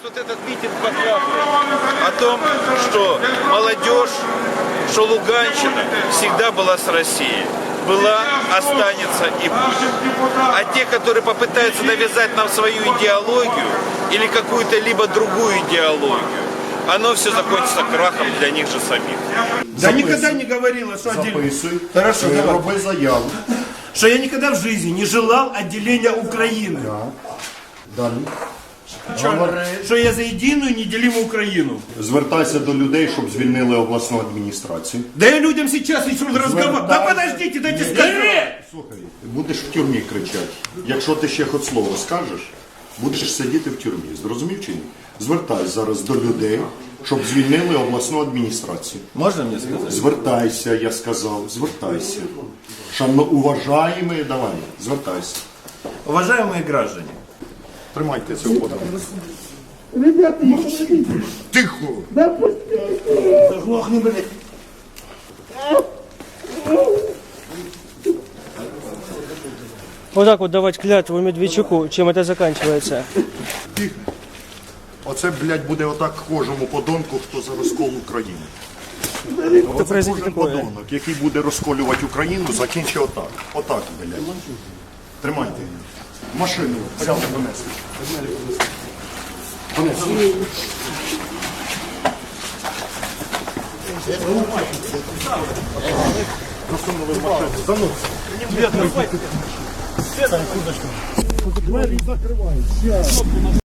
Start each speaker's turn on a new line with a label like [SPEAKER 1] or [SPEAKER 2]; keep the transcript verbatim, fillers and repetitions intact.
[SPEAKER 1] Вот этот митинг показывает о том, что молодежь, что Луганщина всегда была с Россией. Была, останется и будет. А те, которые попытаются навязать нам свою идеологию или какую-то либо другую идеологию, оно все закончится крахом для них же самих.
[SPEAKER 2] Да никогда не говорила, что отделение.
[SPEAKER 3] Записуй.
[SPEAKER 2] Хорошо,
[SPEAKER 3] Е,
[SPEAKER 2] давай.
[SPEAKER 3] роби заяву.
[SPEAKER 2] Что я никогда в жизни не желал отделения Украины.
[SPEAKER 3] Далі. Говори.
[SPEAKER 2] Что я за единую неделимую Украину.
[SPEAKER 3] Звертайся до людей, щоб звільнили обласну адміністрацію.
[SPEAKER 2] Да я людям сейчас еще разговариваю. Да подождите, дайте сказать.
[SPEAKER 3] Слухай, будеш в тюрмі кричати. Якщо ти ще хоч слово скажеш, будеш сидіти в тюрмі. Зрозумів чи ні? Звертайся зараз до людей, щоб звільнили обласну адміністрацію.
[SPEAKER 2] Можно мне сказать?
[SPEAKER 3] Звертайся, я сказав, звертайся. Шановно, уважаємо, давай, звертайся.
[SPEAKER 2] Уважаемые граждане.
[SPEAKER 3] Тримайте цього подання.
[SPEAKER 4] Ребята,
[SPEAKER 3] Тихо!
[SPEAKER 2] Заглохни, блядь.
[SPEAKER 5] Вот так вот давать клятву Медведчуку, чем это заканчивается.
[SPEAKER 3] Тихо. Оце, блядь, буде отак кожному подонку, хто за розкол України. Оце
[SPEAKER 5] произойде
[SPEAKER 3] кожен
[SPEAKER 5] такое.
[SPEAKER 3] подонок, який буде розколювати Україну, закінчить отак. Отак, блядь. Тримайте. Машину взяли, понесли. Понесли. Засунули в машину. Заносили. Двері закривають.